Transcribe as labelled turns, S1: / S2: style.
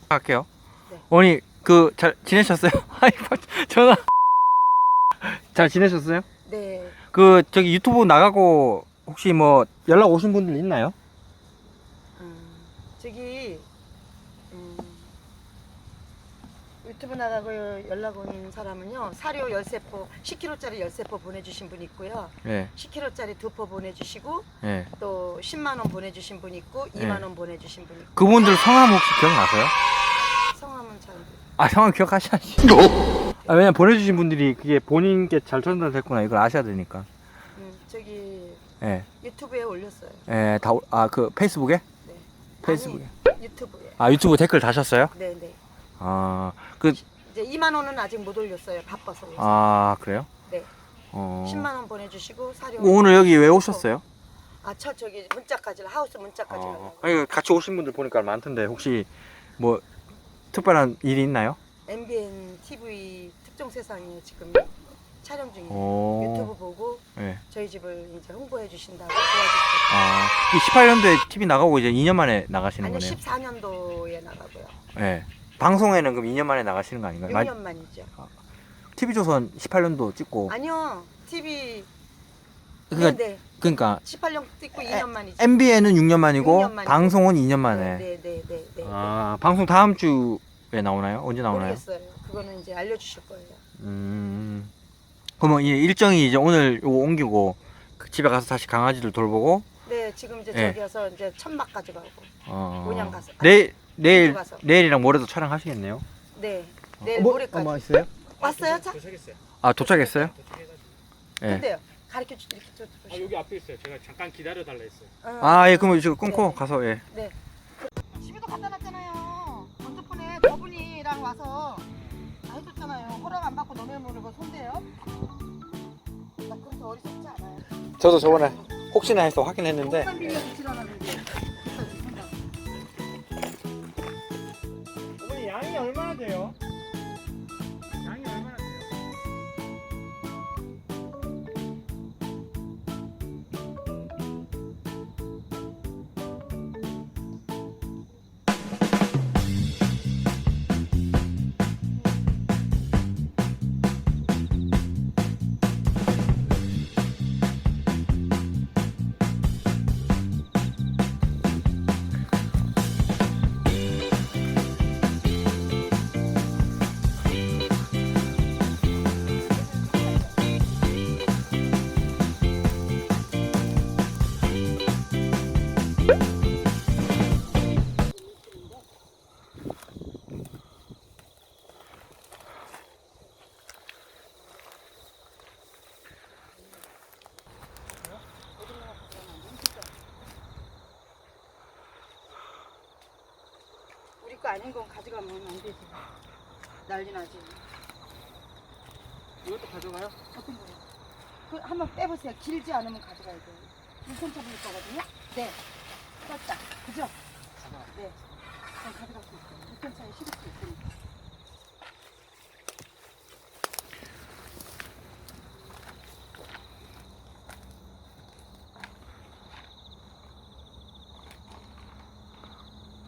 S1: 할게요.
S2: 네.
S1: 어머니 그 잘 지내셨어요? 아이 전화 잘 지내셨어요?
S2: 네.
S1: 그 저기 유튜브 나가고 혹시 뭐 연락 오신 분들 있나요?
S2: 저기 유튜브 나가고 연락 온 사람은요. 사료 13포, 10kg짜리 13포 보내주신 분 있고요.
S1: 네.
S2: 10kg짜리 2포 보내주시고
S1: 네.
S2: 또 10만 원 보내주신 분 있고
S1: 네.
S2: 2만 원 보내주신 분 있고.
S1: 그분들 성함 혹시 기억나세요?
S2: 성함은 잘 모르겠어요.
S1: 아 성함 기억하셔야지. 아, 왜냐면 보내주신 분들이 그게 본인께 잘 전달됐구나 이걸 아셔야 되니까.
S2: 저기
S1: 예.
S2: 유튜브에 올렸어요.
S1: 예, 그 페이스북에?
S2: 네.
S1: 페이스북에.
S2: 아니, 유튜브에.
S1: 아 유튜브 댓글 다셨어요?
S2: 네네.
S1: 아 그
S2: 이제 2만 원은 아직 못 올렸어요. 바빠서.
S1: 아 그래요?
S2: 네.
S1: 어.
S2: 10만 원 보내주시고 사료.
S1: 오늘 여기 왜 오셨어요?
S2: 저기 문자까지 하우스 문자까지 가려고.
S1: 아니 같이 오신 분들 보니까 많던데 혹시 뭐 특별한 일이 있나요?
S2: MBN TV 특종 세상에 지금 촬영 중이에요.
S1: 오.
S2: 유튜브 보고
S1: 네.
S2: 저희 집을 이제 홍보해 주신다고 도와주시고.
S1: 아, 이 18년도에 TV 나가고 이제 2년 만에 나가시는
S2: 아니요,
S1: 거네요.
S2: 14년도에 나가고요.
S1: 네. 방송에는 그럼 2년 만에 나가시는 거 아닌가요?
S2: 6년 만이죠.
S1: TV조선 18년도 찍고.
S2: 아니요, TV.
S1: 그러니까,
S2: 네,
S1: 그러니까
S2: 18년 찍고 2년 만이죠.
S1: MBN은 6년 만이고
S2: 6년 만이고.
S1: 방송은 2년 만에.
S2: 네.
S1: 아, 방송 다음 주에 나오나요? 언제 나오나요?
S2: 모르겠어요. 그거는 이제 알려주실 거예요.
S1: 그러면 이 일정이 이제 오늘 요거 옮기고 그 집에 가서 다시 강아지를 돌보고.
S2: 네, 지금 이제
S1: 네.
S2: 저기 가서 이제 천막 가져가고. 온양 가서.
S1: 내일
S2: 가서.
S1: 내일이랑 모레도 촬영하시겠네요.
S2: 네, 내일 모레까지.
S1: 있어요?
S2: 왔어요, 차?
S3: 도착했어요.
S1: 아 도착했어요?
S3: 도착해가지고.
S1: 예.
S2: 근데요. 가르쳐 주 이렇게 좀.
S3: 아 여기 앞에 있어요. 제가 잠깐 기다려 달라 했어요.
S1: 아, 예, 그러면 지금 끊고
S2: 네.
S1: 가서 예.
S2: 네. 집에도 갖다 놨잖아요. 핸드폰에 저분이랑 와서 다 해줬잖아요. 허락 안 받고 너네 모르고 손대요. 나 그렇게 어리석지 않아요.
S1: 저도 저번에 혹시나 해서 확인했는데
S2: 공간 빌려 주시라는데.
S3: 어머니 양이 얼마나 돼요? 양이 얼마나 돼요?
S2: 우리 거 아닌 건 가져가면 안 되지. 난리 나지.
S3: 이것도 가져가요?
S2: 어떤 거요? 그 한번 빼보세요. 길지 않으면 가져가야 돼요. 1cm 부릴 거거든요. 네. 떴다. 그죠? 네. 그럼 가져갈 수 있어요. 6cm에 실을 수 있으니까.